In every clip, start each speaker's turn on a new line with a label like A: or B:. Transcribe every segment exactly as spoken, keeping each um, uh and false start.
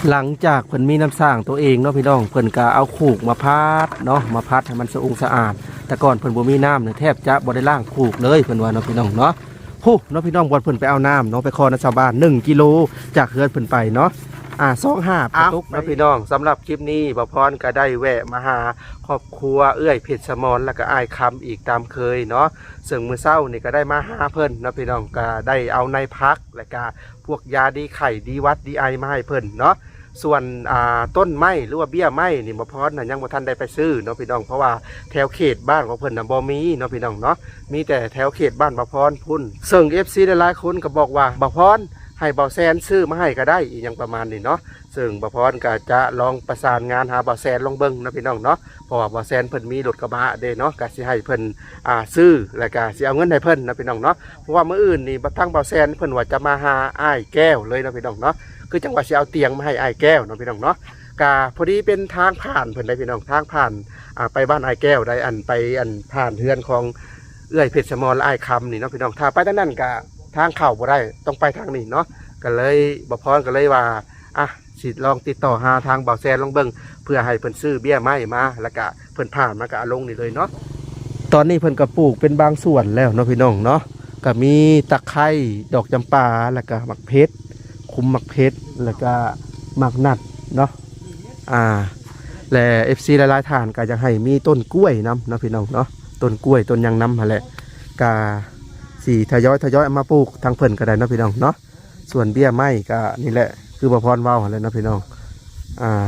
A: หลังจากเพิ่นมีน้ำสร้างตัวเองเนาะพี่น้องเพิ่นก็เอาคูกมาพัดเนาะมาพัดให้มันสะองสะอาดแต่ก่อนเพิ่นบ่มีน้ำเนี่ยแทบจะบ่ได้ล้างคูกเลยเพิ่นว่าเนาะพี่น้องเนาะฮู้เนาะพี่น้องบ่เพิ่นไปเอาน้ำเนาะไปขอนะชาวบ้านหนึ่งกิโลจากเฮือนเพิ่นไปเนาะอ่าสองห้าปตุกเนาะพี่น้องสำหรับคลิปนี้บ่พรก็ได้แวะมาหาครอบครัวเอื้อยเพชรสมรแล้วก็อ้ายคำอีกตามเคยเนาะซึ่งมื้อเช้านี่ก็ได้มาหาเพิ่นเนาะพี่น้องก็ได้เอาในพักและก็พวกยาดีไข้ดีวัดดีไอมาให้เพิ่นเนาะส่วนต้นไม้หรือว่าเบี้ยไม้นี่บ่พรน่ะยังบ่ทันได้ไปซื้อเนาะพี่น้องเพราะว่าแถวเขตบ้านของเพิ่นน่ะบ่มีเนาะพี่น้องเนาะมีแต่แถวเขตบ้านบ่พรพุ่นซึ่ง เอฟ ซี หลายๆคนก็บอกว่าบ่พรให้เบาแซนซื้อมาให้ก็ได้อีกอย่างประมาณนี้เนาะซึ่งบ่พรก็จะลองประสานงานหาเบาแซนลองเบิ่งเนาะพี่น้องเนาะเพราะว่าเบาแซนเพิ่นมีรถกระบะเด้เนาะก็สิให้เพิ่นอ่าซื้อแล้วก็สิเอาเงินให้เพิ่นเนาะพี่น้องเนาะเพราะว่ามื้ออื่นนี่บ่ทั้งเบาแซนเพิ่นว่าจะมาหาอ้ายแก้วเลยเนาะพี่น้องเนาะคือจังหวะสิเอาเตียงมาให้อ้ายแก้วเนาะพี่น้องเนาะกาพอดีเป็นทางผ่านเพิ่นได้พี่น้องทางผ่านอ่าไปบ้านอ้ายแก้วได้อันไปอันผ่านเฮือนของเอื้อยเพชรสมรและอ้ายคำนี่เนาะพี่น้องถ้าไปทางนั้นก็ทางเข้าบ่ได้ต้องไปทางนี้เนาะก็เลยบ่พรก็เลยว่าอ่ะสิลองติดต่อหาทางเบาแซนลองเบิ่งเพื่อให้เพิ่นซื้อเบี้ยไม้มาแล้วก็เพิ่นผ่านมาก็เอาลงนี่เลยเนาะตอนนี้เพิ่นก็ปลูกเป็นบางส่วนแล้วเนาะพี่น้องเนาะก็มีตะไคร้ดอกจำปาแล้วก็หมักเพชรคุมหมักเพชรแล้วก็หมักนัดเนาะอ่าและ เอฟ ซี หลายๆท่านก็จะให้มีต้นกล้วยนำเนาะพี่น้องเนาะต้นกล้วยต้นยางนำหั่นแหละก็สี่ทยอยทยอยเอามาปลูกทางเพิ่นก็ได้เนาะพี่น้องเนาะส่วนเบี้ยไม้ก็นี่แหละคือบ่พรเว้าหั่นแหละเนาะพี่น้องอ่า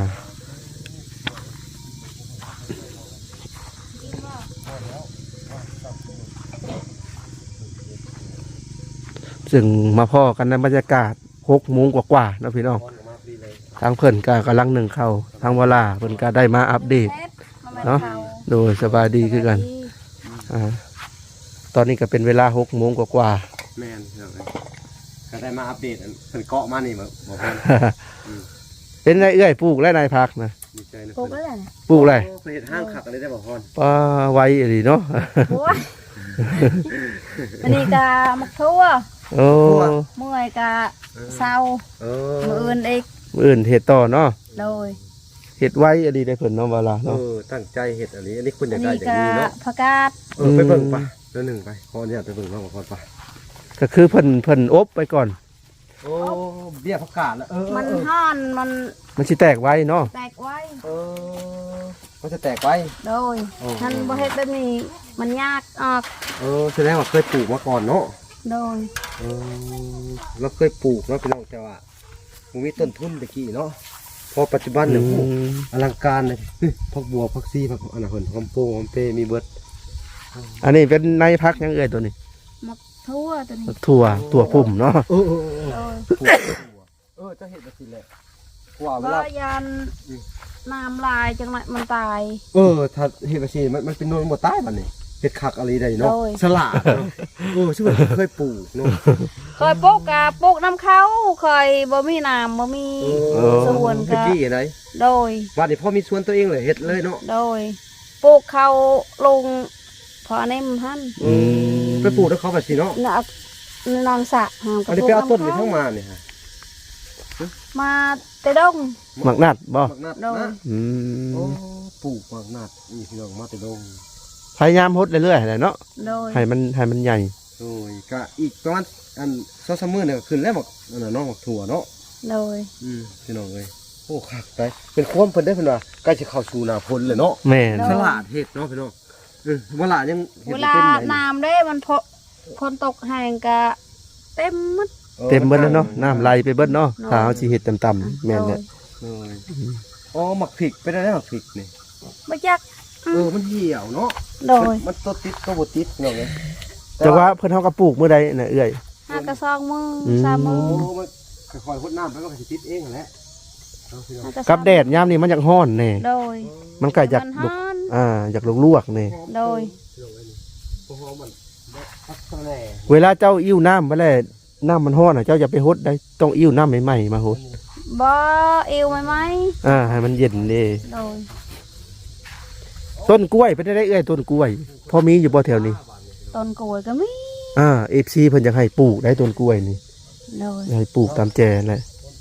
A: ซึ่งมาพ่อกันในบรรยากาศหกโมงกว่าๆเนาะพี่น้องทางเพิ่นก็กำลังหนึ่งเข้าทางเวลาเพิ่นก็ได้มาอัปเดตเนาะโดยสบายดีคือกันอ่าตอนนี้ก็เป็นเวลาหกโมงกว่า
B: แม่นก็ได้มาอัปเดตเพิ่นเกาะมานี่บ่บ่พอ
A: เป็นไรเอื้อยปลูกและนายพักนะ
B: ดีใจนะ
C: ปลูกอะไร
A: ปลูกอะไร
B: เพิ่นเฮ็ดห้างขักอะไรได้บ่พร
A: ป้าไว้ดีเนาะ
C: โอ้ยอันนี้กะมักทั่ว
A: โอ้
C: เมื่อยกะเศร้า
B: เอ
C: มืออื่นอีก
A: อื่นเห็ดต่อเนาะ
C: โดย
A: เห็ดไว้อดีได้เพิ่นเนาะเวลา
B: เอ
A: เนาะ
B: อตั้งใจเฮ็ดอันนี้อันนี้คุณอ
C: อั
B: ยาน กได้
C: นี้
B: อย่าง
C: กะ
B: นี้เนาะ
C: ผักกาด
B: เออไปเบิ่งป่ะเดี๋ยวหนึ่งไปขออนุญาตไปเบิ่งเนาะบ่พรป่ะ
A: ก็คือเพิ่นเพิ่นอบไปก่อน
B: โอ้เบี้ยผักกาดแล้วเออ
C: มันห่อนมัน
A: มันสิแตกไว้เนาะ
C: แตกไว้
B: เออมันจะแตกไว้
C: โดยท่านบ่เฮ็ดแบบนี้มันยากออก
B: เออแสดงว่าเคยปลูกมาก่อนเนาะ
C: โดย
B: เออเราเคยปลูกเนาะพี่น้องแต่ว่ามันมีต้นทุนตะกี้เนาะพอปัจจุบันเนี่ยโอ้อลังการเลยพักบัวพักซีพักอันนั้นเพิ่นหอมโป้หอมเปมีเบิด
A: อันนี้เป็นนายพักยังเอ่ยตัวนี้
C: มักทั่วตัวนี้
A: ถั่วถั่วปุ่มเนาะ
B: เออเออเออ
C: โดย
B: ปลูกถั่วเออจะเห็นแบบนี้แหละว่าเว
C: ก็
B: ลา
C: ยันน้ำลายจังไรมันตาย
B: เออถ้าเห็นแบบนี้มันมันเป็นโนนหมดใต้บัดนี้เห็ดคักอะไรได้เนาะ
C: โดย
B: สลัดเนาะเออชื่อว่าเคยปลูกเนาะ
C: เคยปลูกกะปลูกน้ำเขาเคยบ่มีน้ำบ่มี
B: เออ
C: สวน
B: ตะ
C: กะ
B: กี้ไหน
C: โดย
B: วันนี้พ่อมีสวนตัวเองเลยเห็ดเลยเนาะ
C: โดยปลูกเขาลงพอในมันหัน
B: เออไปปลูกแล้วเขาแบบนี้เนาะ
C: นักนอนสระหาม
B: อันนี้ไปเอาต้นนี้ทั้งมาเนี่ยฮะ
C: มาเตดง
A: หมักนัดบ่
B: หมักนัด
C: โดย
B: นะ
A: อื
B: โอ้
A: ม
B: ปลูกหมักนัดนี่พี่น้องมาแต่ดง
A: พยายามฮดเรื่อยๆแหละเนาะ
C: โดย
A: ให้มันให้มันใหญ่
B: โอ้ยก็อีกประมาณอันสองสามมื้อเนี่ยก็ขึ้นแล้วหมักอันนั้นเนาะหมักถั่วเนาะ
C: โดย
B: อืมพี่น้องเอ้ยโอ้คักไปเป็นความเพิ่นได้เพิ่นว่าใกล้จะเข้าสู่หน้าฝนเลยเนาะ
A: แม่น
B: ฉลาดเฮ็ดเนาะพี่น้องเออเวลายังเฮ็ด
C: เว
B: บ่
C: ลา
B: เป็นไหน
C: น้ำได้มันพอคนตกแห้งกะเต็มหมด
A: เต็มเบิดแล้วเนาะน้ำไหลไปเบิดเนาะถ้าเอาสิเฮ็ดต่ำๆแม่นเนี่ย
B: โอ้ยอ๋อหมักพริกเป็นอะไรหมักพริกนี่
C: ไม่จัก
B: เออมันเหี่ยวเนาะ
C: โดย
B: มันตัวติดตัวบ่ติดพี่น้องเอ้ย
A: แต่ว่าเพิ่นเฮาก็ปลูกมื้อใดน่ะเอื้อย
C: ห้ากระซองมือ
A: อืม
C: สามมื
B: โอ้
C: อ
B: มันค่อยๆพดน้ำไปมันก็สิติดเองนั่นแหละเอาพี่น้อง
C: ห้ากระซอง
A: กับแดดยามนี้มันอยากร้อนแน่
C: โดย
A: มันก็อยาก
C: มัน
A: ลุก
C: ฮ้อน
A: อ่าอยากลวกๆแน่
C: โดย
B: โอ้โหมันพักแสล
A: เวลาเจ้าอิ่วน้ำไปแล้วน้ำมันร้อนอ่ะเจ้าอย่าไปฮดได้ต้องอิ่วน้ำใหม่ๆมาฮด
C: บ่เอวไหมไหม
A: อ่าให้มันเย็นเด้
C: โดย
A: ต้นกล้วยเป็นได้เอ้ยต้นกล้วยพอมีอยู่บ่แถวนี้
C: ต้นกล้วยก็มี
A: อ่า เอฟ ซี เพิ่นอยากให้ปลูกได้ต้นกล้วยนี่
C: โดย
A: อยากให้ปลูกตามแจแหละ
B: เ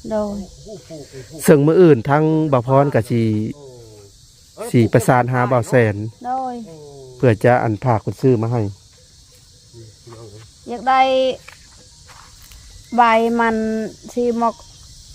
C: โดย
A: ซึ่งมื้ออื่นทั้งบ่าวพรก็สิสิประสานหาบ่าวแสน
C: โดย
A: เพื่อจะอันพาคนซื้อมาให้
C: อยากได้ใบมันที่หมก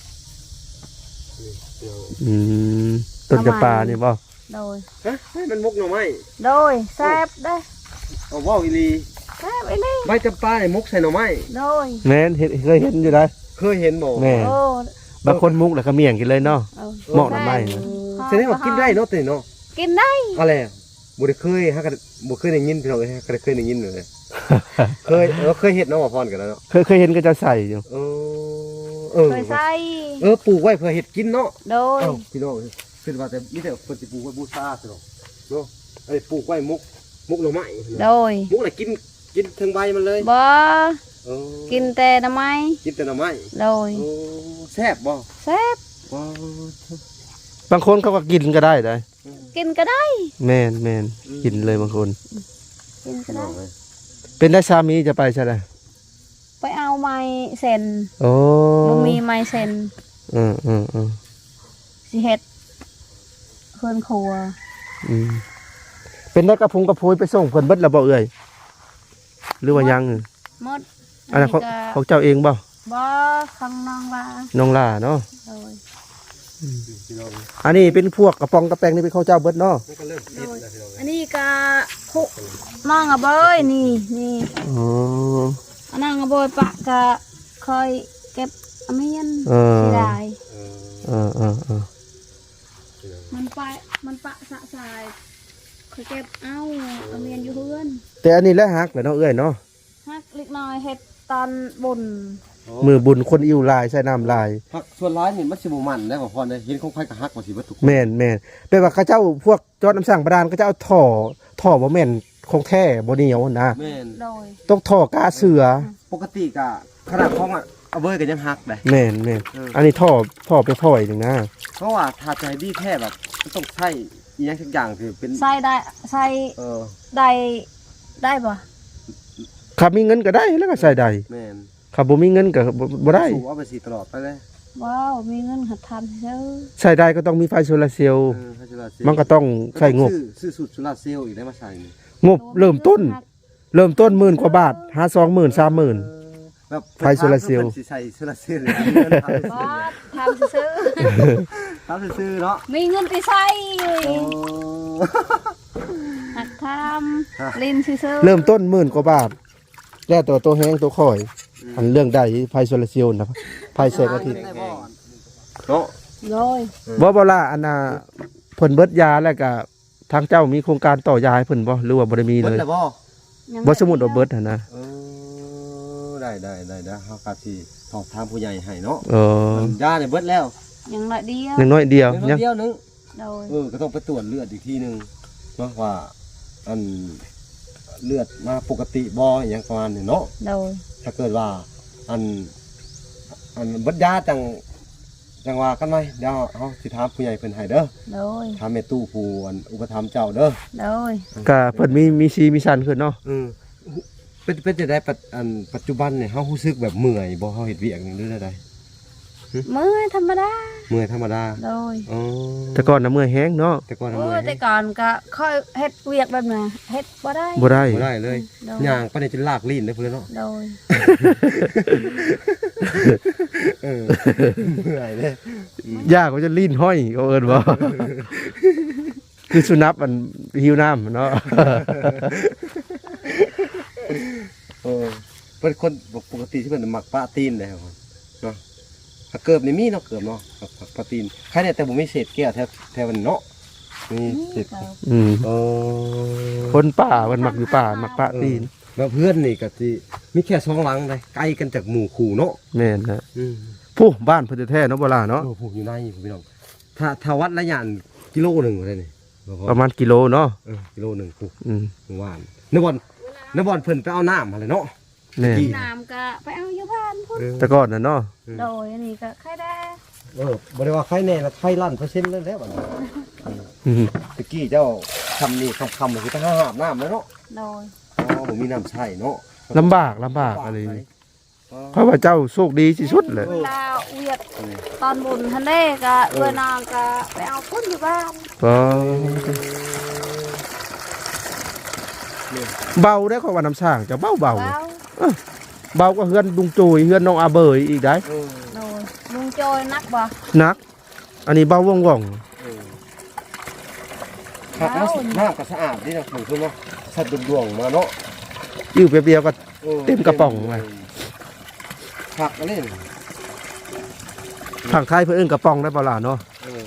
A: อืมต้นจำปานี่บ่
C: โดย
B: ฮะให้มันมุกหน่อไม้
C: โดยแซ่บได้
B: เอาว่าวอีหลี
C: แซ่บไอ้นี่
B: ใบจำปาเนี่ยมุกใส่หน่อไม้
C: โดย
A: แม่นเห็นเคยเห็นอยู่ได้
B: เคยเห็นบ่
A: แม่น
C: โอ้
A: บางคนมุกแล้วก็เมี่ยงกินเลยเนาะ
C: เอา
A: เหมาะหน่อไม้นะ
B: แสดงว่ากินได้เนาะแต่เนาะ
C: กินได้
B: อะไรอะบ่ได้เคยฮะก็บ่เคยได้ยินพี่น้องเอ้ยฮะก็ได้เคยได้ยินเลย เคยเออเคยเฮ็ดเนาะว่าพรกันแล้วเนาะ
A: เคยเคยเห็นก็จะใส่อยู่
B: เออเออ
C: เคยใส่
B: เออปลูกไว้เพื่อเฮ็ดกินเนาะ
C: โดย
B: เอ้าพี่น้องคือว่าแต่มีแต่เพิ่นสิปลูกไว้บูชาซะเนาะเนาะอันนี้ปลูกไว้มุกมุกหน่อไม้
C: โดย
B: มุกน่ะกินกินถึงใบมันเลย
C: บ่
B: เออ
C: กินแต่หน้ำไม้
B: กินแต่หน่อไม้
C: โดย
B: โอ้แซ่บบ่
C: แซ่บ
B: ว้า
A: บางคนเขาก็กินก็ได้ได้
C: กินก็ได้
A: แม่นแม่นกินเลยบางคน
C: กินก็
B: พี่น้
C: ได้
B: องเอ้ย
A: เป็นได้สามีจะไปใช่ไหม
C: ไปเอาไม้เซ็น
A: โอ้
C: บ่มีไม้เซ็น
A: อืมอืมอืม
C: สิเฮ็ดเพิ่นครัว
A: อืมเป็นได้กระพุงกระพุยไปส่งเพิ่นเบิดแล้วบ่เอ่ยหรือว่ายัง
C: หมด
A: อันนั้นของ
C: ก็
A: ของเจ้าเองบ่
C: บ่ข้างน้องว่า
A: น้องล่าเนาะ
C: โดย
B: พี่น้อง
A: อันนี้เป็นพวกกระป๋องกระแปงนี่เป็นข้าวเจ้าเบิดเนาะ
B: มันก็เริ่มคิดแล้วพี่น้อง
C: อันนี้ก็คุน้องอะเบยนี่นี่
A: อ๋อ
C: อันนั้นอะเบยปะก็เคยเก็บอเมียน
A: เออ
C: สิได้
B: เออ
A: เออเออเออ
C: มันไปมันปะสะสายเคยเก็บเอาอเมียนอยู่เฮือน
A: แต่อันนี้แหละฮักแหละเนาะเอ้ยเนาะ
C: ฮักเล็กน้อยเฮ็ดตอนบุญ
A: มือบุญคนอิ่วลายใส่น้ำลาย
B: ผักส่วนร้ายนี่มันสิบ่มันได้บ่พรเด้เห็นของไผก็ฮักว่าสิเบิดทุกคน
A: แม่นแม่นแปลว่าเขาเจ้าพวกจอดน้ำสั่งประดานก็จะเอาท่อท่อบ่แม่นของแท้บ่เหนียวนะ
B: แม่น
C: โดย
A: ต้องท่อกาเสือ
B: ปกติก็ขนาดของอ่ะเอาเบยก็ยังฮักได้
A: แม่นแม่น
B: เอออั
A: อันนี้ท่อท่อไปพ่อยหนึ่งนะ
B: เพราะว่าถ้าใจดีแท้แบบมันต้องใช้อีหยังสักอย่างคือเป็น
C: ใส่ได้ใส่
B: เออ
C: ได้ได้บ่
A: ขับมีเงินก็ได้แล้วก็ใส่ได้
B: แม่น
A: ขับบ่มีเงินก็บ่บ่ได้
B: สูบเอาไปสีตลอดไปเลย
C: ว้าวมีเงินหัดทำซื้อ
A: ใส่ได้ก็ต้องมีไฟโซลาร์เซลล์
B: เออให้จุฬาเซลล์
A: มันก็ต้องใช้งบ
B: ซื้อซื้อสูตรจุฬาเซลล์อีกได้มาใส่นี่
A: งบเริ่มต้น เริ่มต้นหมื่นกว่าบาทหาสองหมื่นสามหมื่น
B: แบบ
A: ไฟโซลาร์เซลล์
B: พิ่นสิใส่โซลาร์เซลล์เลย
C: บ่ทำซื้อ
B: ทำซื้อๆเนาะ
C: มีเงินไปใส่
B: โอ้
C: หัดทำลินซื้อ
A: เริ่มต้นหมื่นกว่าบาท แล้วตัวตัวแห้งตัวข่อย อันเรื่องใดไฟโซลาร์เซลล์นะไฟแสงอาทิตย์
B: เนาะ
C: โดย
A: บ่บ่ล่ะอันน่ะเพิ่นเบิดยาแล้วก็ทางเจ้ามีโครงการต่อยาให้เพิ่นบ่หรือว่าบ่ได้มี
B: เบิ
A: เล
B: ด
A: ย
B: แล้วบ่
C: ยัง
A: บ่สมมุติว่าเบิดหั่นนะ
B: เออได้ได้ได้ได้เฮาก็สิสอบถามผู้ใหญ่ให้เนาะ
A: เออ
B: ยาเนี่ยเบิดแล้ว
C: ยังน้อยเดียว
A: อย่างน้อยเดียว
B: เดี๋
A: ยั
B: ยว
A: ง
B: เดียวนึง
C: โดย
B: เออก็ต้องไปตรวจเลือดอีกทีหนึงเนาะว่าอันเลือดมาปกติบ่อหย่างประมาณนี้เนาะ
C: โดย
B: ถ้าเกิดว่าอันอันเบัดยาจังจังว่ากันไหมเดี๋ยวเฮาสิถามผู้ใหญ่เพิ่นให้เด้อ
C: โดย
B: ถามแม่ตู้ผู้อันอุปถัมภ์เจ้าเด้อ
C: โดย
A: ก็เพิ่นมีมีซีมีชันขึ้นเนาะ
B: อือเป็นเป็นจะได้ปัจอันปัจจุบันเนี่ยเฮารู้สึกแบบเมื่อยบ่เฮาเฮ็ดเวียกนี่หรือได
C: มือธรรมดา
B: เมื่อยธรรมดา
C: โดย
B: อ๋อ
A: แต่ก่อนน่ะเมื่อยแห้งเนาะ
B: แต่ก่อน
C: โอ้
B: เมื่อย
C: แต่ก่อนก็ค่อยเฮ็ดเวียกแบบน่ะเฮ็ดบ่ได้
A: บ่ได้
B: บ่ได้เลย
C: โดย
B: ย่างปานนี้จะลากลิ้นได้พุ่นเลยเนาะ
C: โดย
B: เออเมื่อยเด้
A: ยากก็จะลิ้นห้อยเขาเอิ้นบ่ คือสุนัขมันหิวน้ำเนาะ
B: เออเป็นคนปกติที่เพิ่นมักปะตีนได้ครับเนาะถ้าเกิบนี่มีเนาะเกิบเนาะปะตีนใครเนี่ยแต่บ่มีเศษแก้วแถวแถวมันเนาะมีเศษ
A: อืม
B: เออ
A: คนป่ามันมักอยู่ป่ามักปะตีน
B: แล้วเพื่อนนี่ก็สิมีแค่สองหลังเลยไกลกันจากหมู่คู่เนาะ
A: แม่นนะ
B: อืม
A: ผู้บ้านเพิ่นแท้ๆเนาะบ่ล่ะเนาะ
B: เออผูกอยู่ในพี่น้องถ้าถ้าวัดระยะกิโลหนึงได้นี่
A: ประมาณกิโลเนาะ
B: เออกิโลหนึงผูก
A: อืม
B: เมื่อวานนบอนนบอนเพิ่นไปเอาน้ำมาเลยเนาะ
A: แม่น
C: น้ำก็ไปเอาอยู่บ้านพุ่น
B: เออ
A: แต่ก่อนน่ะเนาะ
C: โดยอันนี้ก็ไข่แดง
B: เออบ่ได้ว่าใครแน่ละใครลั่นเปอร์เซ็นต์แล้วแล้วบัดนี้
A: อืม
B: ตะกี้เจ้าทำนี่คำๆคือต้องหาบน้ำแล้วเนาะ
C: โดย
B: อ๋อผมมีน้ำใช่เนาะ
A: ลำบากลำบากอะไร
B: ไป
A: นี่เพราะว่าเจ้าโชคดีที่สุดเลย
C: เวลาเวียดตอนบุญทันเด้ก็เอื้อนางก็ไปเอาพุ่นอยู่บ้าน
A: ก็เบาได้ของว่าน้ำสร้างจะเบาเบา
C: แล้ว
A: เบาก็เฮือนลุงจุยเฮือนน้องอาเบยอีกได้
B: เออ
C: โดยลุงโจยนักบ่
A: นัก อันนี้เบาว่องว่อง
B: เออครับแล้วน้ำก็สะอาดนี่นะผมคือว่าสัตว์ดวงๆมาเนาะ
A: อิ่วเปรียวๆก็
B: ออ
A: เต็มกระป๋องเลย
B: ผักอะไรนี่
A: ทางไทยเพื่นเอนกระป๋องได้เปล่าล่ะเนาะ
B: เออ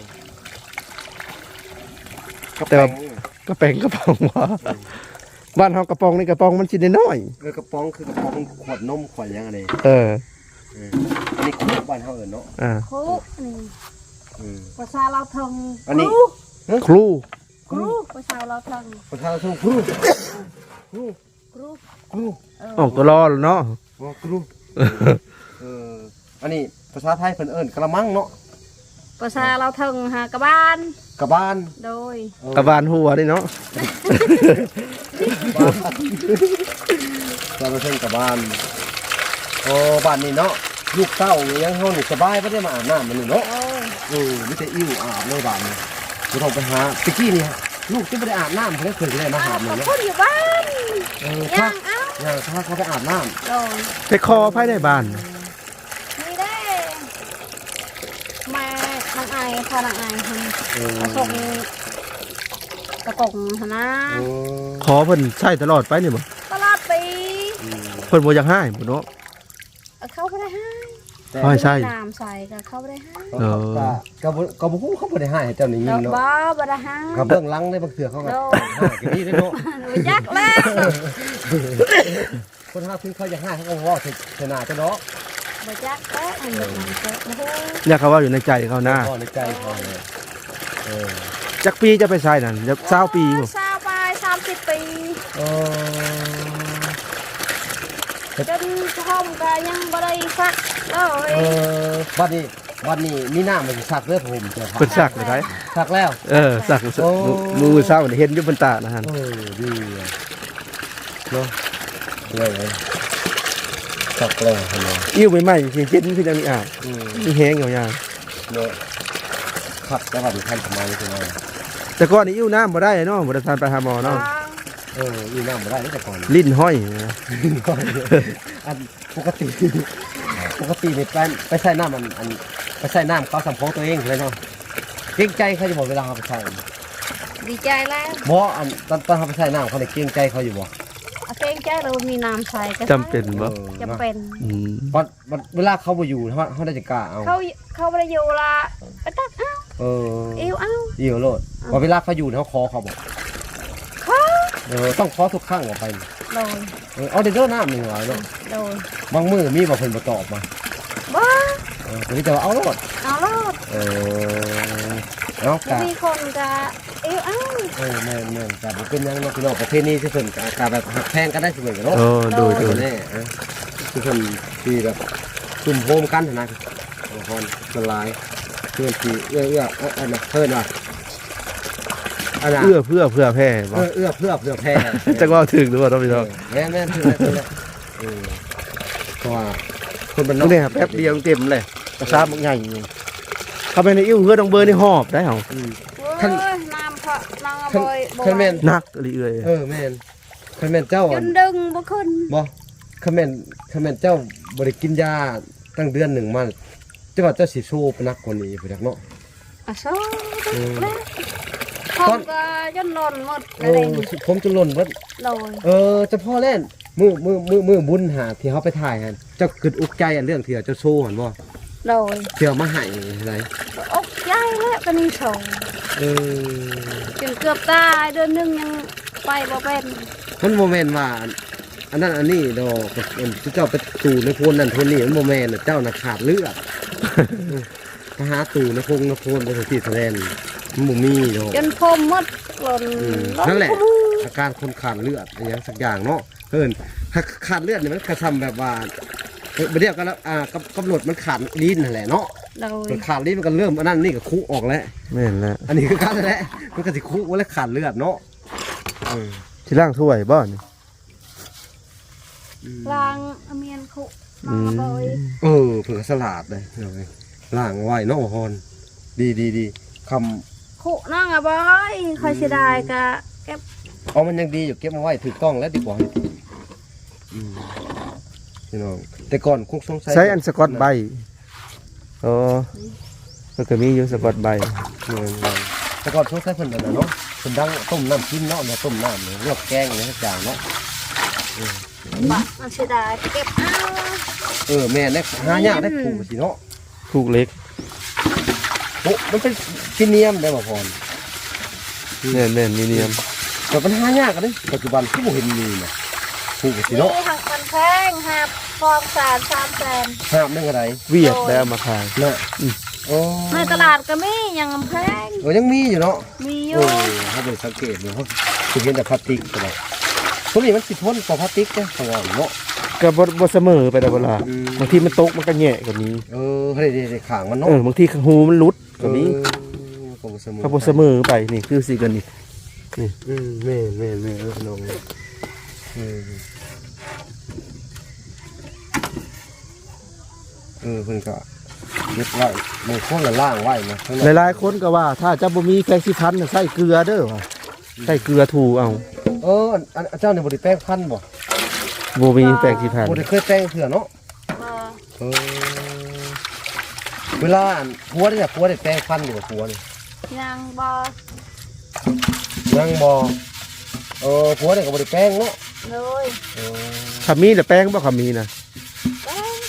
A: แต่ว่า กระแปงกระป๋องวะบ้านเฮากระป๋องนี่กระป๋องมันชิ้นน้อย
B: เออกระป๋องคือกระป๋องขวดนมขวดหยังอะไร
A: ๆเออ
B: เอออันนี้ขวดบ้านเฮาเอิ้นเนาะ
A: อ่า
C: ครูนี่
B: อืม
C: ภาษาเราทง
B: อันนี้
A: ครู
C: ครูภาษาเราทง
B: ประธานทุ่งครูครู
C: ครู
B: ครู
C: เออ
A: ออกตัวรอแล้วเนาะ
B: อ๋อครูเอออันนี้ภาษาไทยเพิ่นเอิ้นกระมังเนาะ
C: ภาษาเราทงหากระบ้าน
B: กระบาน
C: โดย
B: เออก
A: ระบาลหัวนี่เนาะ
B: บ้านเราเพิ่นกระบานโอ้บ้านนี้เนาะลูกเต้ายังเฮานี่สบายบ่ได้มาอาบน้ำมันนี่เนาะ
C: โอ้ย
B: เออมีแต่อิ่วอาบเลยบ้านนี้บ่ต้องไปหาตะกี้นี่ลูกจะบ่ได้อาบน้ำเพิ่นเคยได้มา
C: อา
B: หา
C: บบ
B: เลย
C: กับ
B: เนาะ
C: พุ่นอยู่บ้าน
B: เออ
C: ยั
B: ถ้าง
C: เอ้า
B: อย่างถ้าเขาไปอาบน้ำ
C: โดย
A: ไปคอภายในบ้าน
C: นี่ได้แม่นางไอพอนางไอท
B: เออ
C: ำส่งกระกงหนนะ
B: เออ
A: ขอเพิ่นใช้ตลอดไปนี่บ่
C: ตลอดปี
B: อืม
A: เพิ่นบ่อยากให้บ่เนาะ
C: เอาเข้าไปได้ให้
B: แต่
A: อ๋อ ใช่
C: น้ำใส่ก็เข้าไปได้ให้
B: เออก็ก็บ่ก็บ่ฮู้เขาบ่ได้ให้เจ้านี่ยิ
C: ดอง ก
B: เนาะ
C: บ้าบ่ได้ให้
B: ก็เบื้องหลังในบางเทื่อเขาก็ให้กันนี่เด้อเนาะ
C: รู้จักแล้ว
B: คนหาถึงเขาอยากให้เขาก็เว้าชนะเจ้าเนาะ
C: บ่จักแล้วอันนี้มันก็โอ้โห
A: อยากเขาว่าอยู่ในใจเขานะ
B: ก็ในใจเขาเลยเออ
A: จักปีจะไปใช้นั่นจักเศร้าปีบ่
C: สาวไปสามสิบปี
B: เออ
C: จนพ่อมก็ยังบ่ได้สักเล
B: เอย อวันนี้วันนี้มีหน้ามันสิสักเด้อผมเจ้าค่ะ
A: เพิ่นสักเลยได
B: สักแล้ว
A: เออสักมือเศร้านี่เห็นอยู่บนตานะฮะ
B: เออดีอะเนาะเลยสักแล้วเห็นบ่
A: อิ่วใหม่ๆสิเห็นคือจังนี้อ่ะ
B: อืม
A: มีแฮงยาว
B: เนาะขับแต่ว่าท่านทำไมใช่ไหม
A: ๆแต่ก่อนนี่อิ่วน้ำบ่ได้เนาะบ่ได้ทานไปหาหมอเนาะ
B: เออมีน้ำมาได้แต่ก่อน
A: ลิ้นห้อยนะ
B: อันปกติปกตินี่ไปไปใส่น้ำมันอันไปใส่น้ำเขาสัมโพตัวเองเลยเนาะเกรงใจเขาจะบอกเวลาเขาไปใส่
C: ดีใจแล้ว
B: บ่อันตอนตอนเขาไปใส่น้ำเขาเนี่ยเกรงใจเขาอยู่บ่
C: เอาเกรงใจเรามีน้ำใส่ก็
A: จำเป็นบ่
B: เออ
C: จำเป็น
A: อืม
B: วันวันเวลาเขาบ่อยู่เขาเขาได้จะกล้าเอา
C: เขาเขาบ่ได้อยู่ละไปตักเอ้า
B: เออ
C: เอวเอ้า
B: เดี๋ยวโลดว่าเวลาเขาอยู่เนี่ยเขาคอเขาบอก
C: เขา
B: เออต้องคอทุกครั้งออกไป
C: โดย
B: เออเอาเดี๋ยวเด้อน้ำหนึ่งหน่อยเนาะ
C: โดย
B: บางมือมีบ่เพิ่นบ่ตอบมา
C: บ้า
B: เออแต่นี่แต่ว่าเอาโลด
C: เอาโลด
B: เออเอา
C: บ่
B: กะ
C: มีคนก็เอวเอ้า
B: เออแม่นแม่นกะบ่เป็นหยังเนาะพี่น้องประเภทนี้ที่เพิ่นกะกะแบบหักแพงกันได้เสมอกันเนาะ
A: เออโดย
B: เอ
A: โด
B: อย แน่เออที่เพิ่นที่แบบซุ่มโฮมกันนะบางคนละลายเพื่อนที่เอื้อเอื้อเอออันน่ะเพิ่นว่าอันน่ะ
A: เอื้อเพื่อเพื่อแพ้บ่
B: เออเอื้อเพื่อเพื่อแพ้
A: จักว่าถึงหรือว่าต้องพี่น้อง
B: แม่นแม่นคือแม่นคือเออเพราะว่าคนเป็น
A: ตรงนี้แป๊บเดียวเต็มเลยกระซาบใหญ่เข้าไปในอิ่วเฮือดองเบอร์นี่หอบได้เหรอ
B: อืม
C: โอ้ยน้ำเพราะน้ำบ่อยบ่
B: คันแม่น
A: นักอะไรเอ่ย
B: เออแม่นคันแม่นเจ้า
C: จ
B: อะ
C: นดึงบ่ขึ้น
B: บ่คันแม่นคันแม่นเจ้าบ่ได้กินยาตั้งเดือนหนึ่งมาจังว่าเจ้าสิโชว์นักกว่านี้พุ่นจักเนาะ
C: อ่ะโซ่
B: เออ
C: แล้วผมก็จนหล่นหมด
B: โอ้
C: อะไร
B: ผมจะหล่นเบิด
C: โดย
B: เออเจะพ่อเล่นมือมือมือมือบุญหาที่เขาไปถ่ายกันเจ้าคิดอุกใจอันเรื่องที่เจ้าโชว์หันบ่
C: โดย
B: เที่ยวมาให้อะไร
C: อกใจแล้วก็นี่โชว์
B: เออ
C: จนเกือบตายเดือนหนึงยังไปบ่เป็น
B: มันโมเมนต์ว่าอันนั้นอันนี้ดอกเป็นเจ้าไปตู่ในโพนนั่นโพนนี่มันโมเมนต์เจ้าน่ะขาดเลือดไปหาตู่ในพงในโพนไปถึงที่แสดงมันบ่มีดอก
C: จนพมหมดหล่น
B: อืม
C: ล้
B: นั่นแหละ
C: ขมือ
B: อาการคนขาดเลือดอะไรอย่างสักอย่างเนาะเพิ่นถ้าขาดเลือดเนี่ยมันกระทำแบบว่าเอ้ยบ่เรียกกันแล้วอ่ากำกำหนดมันขาดลิ้นนั่นแหละเนาะ
C: โดย
B: มันขาดลิ้นมันก็เริ่มอันนั้นนี่ก็คุออกแล้ว
A: แม่นแล้ว
B: อันนี้คือการแหละมันก็สิคุแล้วขาดเลือดเนาะเออ
A: ที่ล่างถ้วยบ่นี่
C: ล้างเอาเมียนคุน้องบอย
B: เออเผื่อสลัดเลยเอาไว้ล่างไว้เนาะฮอนดีดีดีคำ
C: ขู่น้องอะบอยคอยเสียดายกะเก็บ
B: เอามันยังดีอยู่เก็บมาไว้ถูกต้องแล้วดีกว่าอืมพี่น้องแต่ก่อนคุกสงสัย
A: ใช้อันสกอตใบอ๋อมันก็มีอยู่สกอตใบ
B: เออแต่ก่อนสงสัยเพิ่นนั่นน่ะเนาะเพิ่นดังต้มน้ำกินเนาะเนี่ยต้มน้ำเนี่ยลวกแกงเนี่ยทุกอย่างเนาะ
C: บะมันเสียดายเก็บเอา
B: เออแม่เนี่ยหายากได้ถูกสิเนาะ
A: ผูกเล็ก
B: โอ้มันเป็นพิเนียมได้บ่พร
A: แน่นแน่นมีเนียม
B: แต่มันหายากกันเด้ปัจจุบันที่บ่เห็นมีน่ะถูกสิเนาะ
C: นี่หักมันแพงหักฟองสารสามแสน
B: ห้ามนึงอะไร
A: เวียดได้เอามาขาย
B: น่ะโอ้
C: ในตลาดก็มียังแพง
B: เออยังมีอยู่เนาะ
C: มีอ
B: โอ้
C: ยู่
B: ถ้าไปสังเกตดูเขาสิเห็นแต่พลาสติกตลอดพวกนี้มันสิทนกว่าพลาสติกเด้ของเราเนาะ
A: ก็บ่บ่เสมอไปแต่เวลา
B: อืม
A: บางทีมันตกมันก็แย่กว่านี้
B: เออเฮ้ยเด็กๆขางมันเนาะ
A: เออบางทีหูมันหลุดกว่านี้
B: เออก็บ่เสมอ
A: ถ้าบ่เสมอไปนี่คือสิกันนี่
B: อืมแม่นแม่นแม่นเออน้องเออเออเพิ่นก็เก็บไว้บางคนละล่างไว้นะข้างใน
A: หลายๆคนก็ว่า ถ้าจะบ่มีแกงสิพันน่ะใส่เกลือเด้อว่ะใส่เกลือถูเอา
B: เอออันอันอันเจ้าเนี่ยบ่ได้แป้งพันธุ์บ่
A: บ่มีแปลงสิพัน
B: บ่ได้เคยแป้งเถื่อเนาะ
C: บ่
B: เออเวลาอันผัวเนี่ยผัวได้แป้งพันธุ์อยู่กับผัวนี่
C: ยังบ่
B: ยังบ่เออผัวเนี่ยก็บ่ได้แป้งเนาะ
C: เลย
B: เออ
A: ถ้ามีแต่แป้งบ่คำมีนะ
C: แป้ง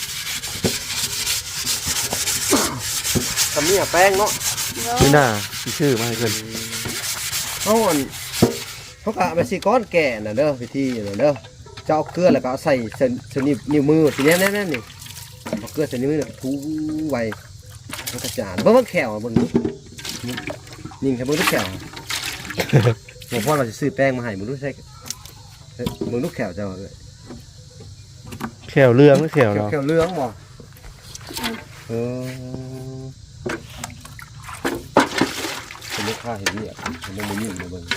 B: ทำนี่อะแป้งเนาะ
C: เลย
A: นี่น่าสิชื่อมาให้เพิ่น
B: เขาอันเขากะไปสิก้อนแก่น่ะเด้อพิธีน่ะเด้อเจ้าเอาเกลือแล้วก็เอาใส่เส้นเส้นนิ้วนิ้วมือทีนี้แน่ๆนี่เอาเกลือใส่นิ้วมือแล้วก็ถูไว้แล้วก็จานเบิ่งว่าแขวอะเบิ่งดูนิ่งใช่เบิ่งดูแขวหลวงพ่อเราจะซื้อแป้งมาให้มึงดูใช่เอ้ยมึงดูแขวเจ้าเลย
A: แขวเรืองหรือแขวเรา
B: แขวเหลืองบ่เออเป็นลูกค้าเห็นเนี่ยมันบ่มีมาเบิ่ง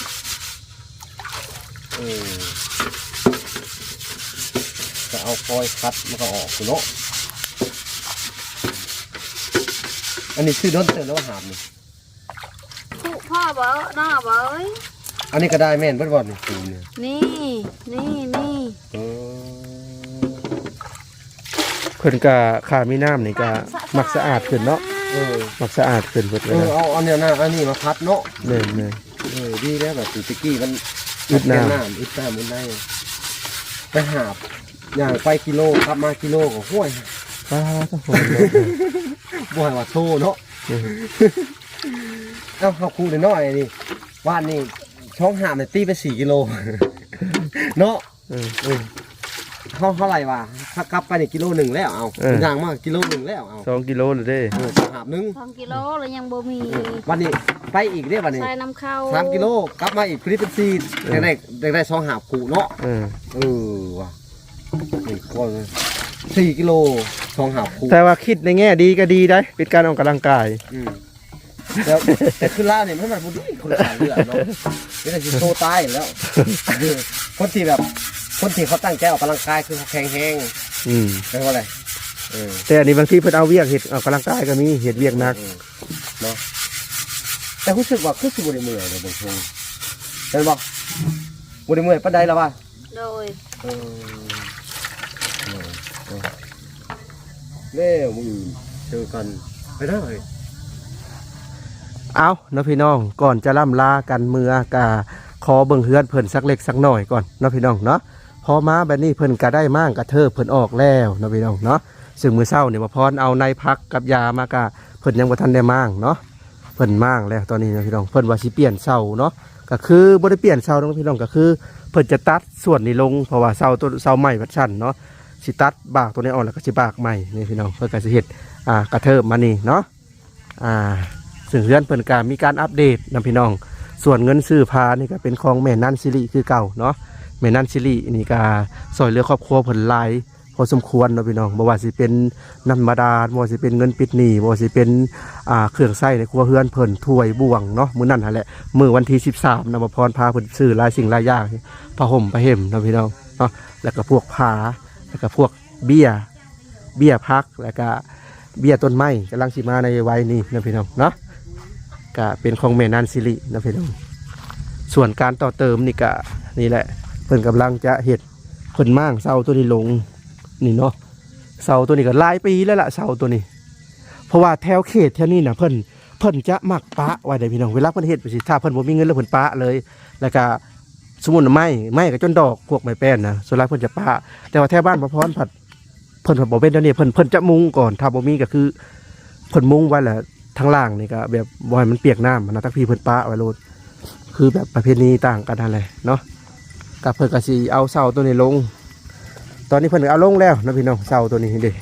B: เออจะเอาฟอยล์คัดมันก็ออกอยู่เนาะอันนี้ชื่อด้นเตือนแล้วว่าหามนี่
C: ขู่พ่อบ่น้องอะบ่เอ้ย
B: อันนี้ก็ได้แม่นเบิดบ่นี่ปูเนี่ย
C: นี่นี่นี่
B: เออ
A: เพิ่นก็ขามีน้ำนี่ก็มักสะอาดขึ้นเนาะ
B: เออ
A: มักสะอาดขึ้นเบิด
B: เอ
A: เว
B: อ
A: ลา
B: เอาอันเนี้ยนะอันนี้มาพัดเนาะ
A: แม่นแม่น
B: เออดีแล้วแบบตะกี้มัน
A: อึดน้ำ
B: แก้ำอึดน้ำมันได้ไปหาบอย่างไปกิโลครับมากิโลก็ห้วย
A: ป้าต้องโหด
B: บ่ให้ว่าโทเนาะเอ้าเขาคูได้น้อยนี่ว่านนี่ช่องหามเนี่ยตีไปสี่กิโล เนาะ
A: เออ
B: เออเขาเท่าไหร่วะถ้ากลับไปนี่กิโลหนึ่งแล้วเอา
A: เออ
B: อย่างมากกิโลหนึ่งแล้วเอา
A: สองกิโลเลยเด้
B: เออช่องหามหนึง
C: สองกิโลแล้วยังบ่มี
B: เออวันนี้ไปอีกเรียวันนี้
C: ใส่น้ำเข้า
B: สามกิโลกลับมาอีกคลิปเป็นสี่ได้ได้ได้ได้ช่องหามคูเนาะ
A: เออ
B: เออว่ะนี่คนสี่กิโลช่องหามคู
A: แต่ว่าคิดในแง่ดีก็ดีได้เป็นการออกกำลังกาย
B: อืมแล้วแต่คือล่าเนี่ยไม่มันบุญคนละสายเลือดเนาะไม่ได้จะโตตายอยู่แล้ว คนที่แบบคนที่เขาตั้งใจออกกำลังกายคือเขาแข็งแรง
A: อืม
B: เรียกว่าอะไรเออ
A: แต่อันนี้บางทีเพิ่นเอาเวียกเฮ็ดออกกำลังกายก็มีเฮ็ดเวียกหนัก
B: เออเนาะแต่รู้สึกว่าคือสิบวันเมื่อยเลยบางทีเห็นบอกวันเมื่อยปานใดแล้ววะ
C: โดย
B: เออเออเออเล่มือเจอกันไปได้เลย
A: เอาเนาะพี่น้องก่อนจะล่ำลากันเมื่อกะขอเบิ่งเฮือนเพิ่นสักเล็กสักหน่อยก่อนเนาะพี่น้องเนาะพอมาแบบนี้เพิ่นก็ได้มั่งกระเทิบเพิ่นออกแล้วเนาะพี่น้องเนาะซึ่งมื้อเช้าเนี่ยมาพรเอาในพักกับยามากะเพิ่นยังบ่ทันได้มั่งเนาะเพิ่นมั่งแล้วตอนนี้เนาะพี่น้องเพิ่นว่าสิเปลี่ยนเสาเนาะก็คือบ่ได้เปลี่ยนเสาเนาะพี่น้องก็คือเพิ่นจะตัดส่วนนี้ลงเพราะว่าเสาตัวเสาใหม่วัดชั้นเนาะสิตัดบากตัวนี้ออกแล้วก็สิบากใหม่นี่พี่น้องเพิ่นก็สิเฮ็ดอ่ากระเทิบมานี่เนาะอ่า ซึ่งเฮือนเพิ่นก็มีการอัปเดตนะพี่น้องส่วนเงินซื้อพานี่ก็เป็นของแม่นันซิริคือเก่าเนาะแม่นันซิรินี่ก็ซอยเหลือครอบครัวเพิ่นหลายพอสมควรเนาะพี่น้องบ่ว่าสิเป็นน้ำบาดาลบ่ว่าสิเป็นเงินปิดหนี้บ่ว่าสิเป็นอ่าเครื่องใช้ในครัวเฮือนเพิ่นถ้วยบ่วงเนาะมื้อนั้นหั่นแหละมื้อวันที่สิบสามนำมาพรพาเพิ่นซื้อหลายสิ่งหลายอย่างผ้าห่มผ้าเห่มเนาะพี่น้องเนาะแล้วก็พวกผ้าแล้วก็พวกเบี้ยเบี้ยพักแล้วก็เบี้ยต้นไม้กำลังสิมาในวัยนี้นะพี่น้องเนาะก็เป็นของแม่นานสิรินะพี่น้องส่วนการต่อเติมนี่ก็นี่แหละเพิ่นกำลังจะเฮ็ดเพิ่นมั่างเสาตัวนี้ลงนี่เนาะเสาตัวนี้ก็หลายปีแล้วล่ะเสาตัวนี้เพราะว่าแถวเขตแถวนี้น่ะเพิ่นเพิ่นจะมักปะไว้ได้พี่น้องเวลาเพิ่นเฮ็ดไปสิถ้าเพิ่นบ่มีเงินแล้วเพิ่นปะเลยแล้วก็สมมุติไม้ไม้ก็จนดอกพวกไม้แป้นนะส่วนหลายเพิ่นจะปะแต่ว่าแถวบ้านบ่พรผัดเพิ่นบ่เป็นเดี๋ยวนี้เพิ่นเพิ่นจะมุงก่อนถ้าบ่มีก็คือเพิ่นมุงไว้แหละทางล่างนี่ก็แบบบ่ให้มันเปียกน้ำนะทักพี่เพิ่นปะไว้โลดคือแบบประเพณีต่างกันนั่นแหละเนาะก็เพิ่นก็สิเอาเสาตัวนี้ลงตอนนี้เพิ่นก็เอาลงแล้วนะพี่น้องเสาตัวนี้เด้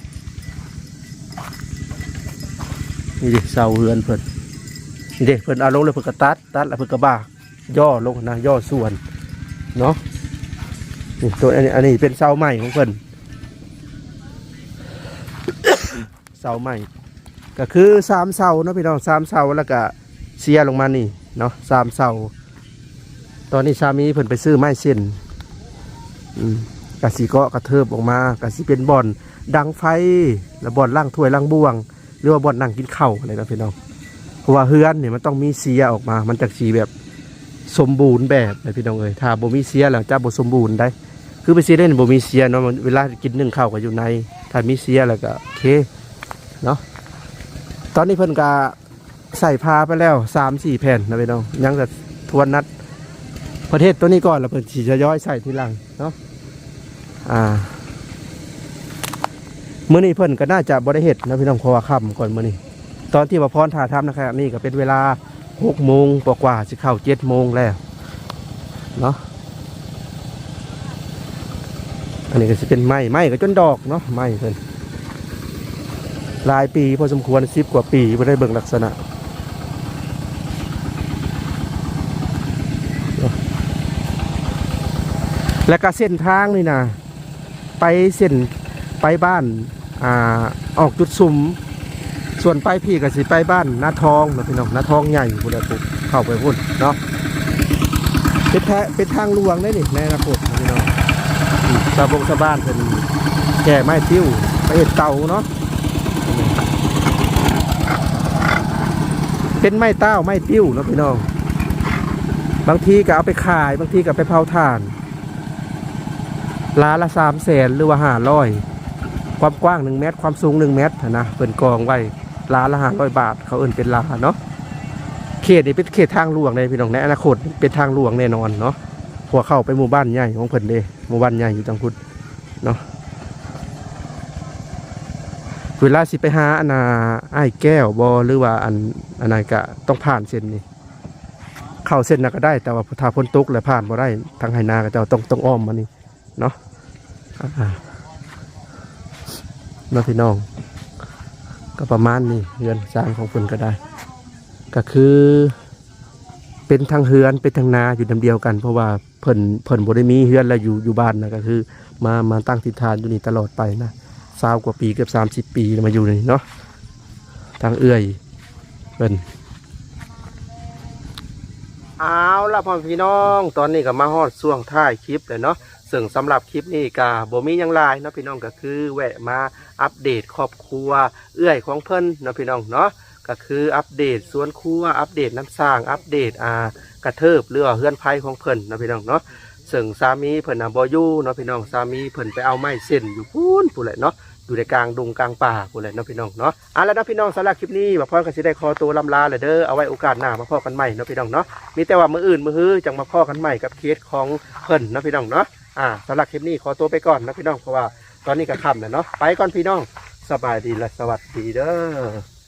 A: นี่ดิเสาเฮือนเพิ่นนี่เด้เพิ่นเอาลงแล้วเพิ่นก็ตัดตัดแล้วเพิ่นก็บากย่อลงนะย่อส่วนเนาะนี่ตัวอันนี้อันนี้เป็นเสาใหม่ของเพิ่น เสาใหม่ก็คือสามเสาเนาะพี่น้องสามเสาแล้วก็เสียลงมานี่เนาะสามเสาตอนนี้สามีเพิ่นไปซื้อไม้เส้นอืมกะสีเกาะกระเทิบออกมากะสีเป็นบ่อนดังไฟแล้วบ่อนล่างถ้วยล่างบ่วงหรือว่าบ่อนนั่งกินข้าวอะไรนะพี่น้องเพราะว่าเฮือนเนี่ยมันต้องมีเสียออกมามันจากสีแบบสมบูรณ์แบบเลยพี่น้องเอ้ยถ้าบ่มีเสียแล้วจะบ่สมบูรณ์ได้คือไปเสียได้บ่มีเสียเนาะเวลากินนึ่งข้าวก็อยู่ในถ้ามีเสียแล้วก็โอเคเนาะตอนนี้เพิ่นก็ใส่พาไปแล้วสามสี่แผ่นนะพี่น้องยังแต่ทวนนัดประเทศตัวนี้ก่อนแล้วเพิ่นสิจะย้อยใส่ทีหลังเนาะอ่ามื้อนี้เพิ่นก็น่าจะบ่ได้เฮ็ดนะพี่น้องเพราะว่าค่ำก่อนมื้อนี้ตอนที่ว่าพรถ่าทำนะครับนี่ก็เป็นเวลาหกโมงกว่าๆสิเข้าเจ็ดโมงแล้วเนาะอันนี้ก็สิเป็นไม้ไม้ก็จนดอกเนาะไม้เพิ่นหลายปีพอสมควรสิบกว่าปีบ่ได้เบิ่งลักษณะแล้วก็เส้นทางนี่นะไปเส้นไปบ้านอ่าออกจุดซุ่มส่วนไปพี่ก็สิไปบ้านนาทองนะพี่น้องนาทองใหญ่พุ่นละปุ๊บเข้าไปพุ่นเนาะเป็นแท้เป็นทางหลวงได้นี่ในอนาคตพี่น้องชาวบงชาวบ้านเป็นแก่ไม้ติ้วไปเห็ดเตาเนาะเป็นไม้เต้าไม้ติ้วเนาะพี่น้องบางทีก็เอาไปขายบางทีก็ไปเผาถ่านล้าละสามแสนหรือว่าห้าร้อยความกว้างหนึ่งเมตรความสูงหนึ่งเมตรนะเป็นกองไว้ล้าละห้าร้อยบาทเขาเอิ้นเป็นล้าเนาะเขตนี้เป็นเขตทางหลวงในพี่น้องในอนาคตเป็นทางหลวงแน่นอนเนาะพวกเข้าไปหมู่บ้านใหญ่ของเพิ่นเด้หมู่บ้านใหญ่อยู่จังพุทธเนาะเวลาสิไปหาอันนาไอ้แก้วบอหรือว่าอันอันนั้นก็ต้องผ่านเส้นนี้เข้าเส้นน่ะก็ได้แต่ว่าถ้าพ้นตุกแล้วผ่านบ่ได้ทางไหนาก็จะต้องต้องอ้อมมานี่เนาะน้องพี่น้องก็ประมาณนี้เฮือนสร้างของเพิ่นก็ได้ก็คือเป็นทางเฮือนเป็นทางนาอยู่ลำเดียวกันเพราะว่าเพิ่นเพิ่นบ่ได้มีเฮือนแล้วอยู่อยู่บ้านนะก็คือมามาตั้งถิ่นฐานอยู่นี่ตลอดไปนะสาวกว่าปีเกือบสามสิบปีมาอยู่นี่เนาะทางเอื้อยเพิ่นเอาล่ะพ่อพี่น้องตอนนี้ก็มาฮอดช่วงท้ายคลิปเลยเนาะซึ่งสำหรับคลิปนี้ก็บ่มีหยังหลายเนาะพี่น้องก็คือแวะมาอัปเดตครอบครัวเอื้อยของเพิ่นเนาะพี่น้องเนาะก็คืออัปเดตสวนครัวอัปเดตน้ำสร้างอัปเดตอ่ากระเทิบเรือเฮือนไผ่ของเพิ่นเนาะพี่น้องเนาะซึ่งสามีเพิ่นน่ะบ่อยู่เนาะพี่น้องสามีเพิ่นไปเอาไม้เส้นอยู่พูนพู้นแหละเนาะอยู่ในกลางดงกลางป่าพู้นแหละเนาะพี่น้องเนาะอ่ะแล้วเนาะพี่น้องสำหรับคลิปนี้บ่พรก็สิได้ขอตัวลำลาเลยเด้อเอาไว้โอกาสหน้ามาพบกันใหม่เนาะพี่น้องเนาะมีแต่ว่ามื้ออื่นมื้อฮื้อจังมาพบกันใหม่กับเคสของเพิ่นเนาะพี่น้องเนาะอ่าสำหรับคลิปนี้ขอตัวไปก่อนนะพี่น้องเพราะว่าตอนนี้ก็ค่ำแล้วเนาะไปก่อนพี่น้องสบายดีและสวัสดีเด้อ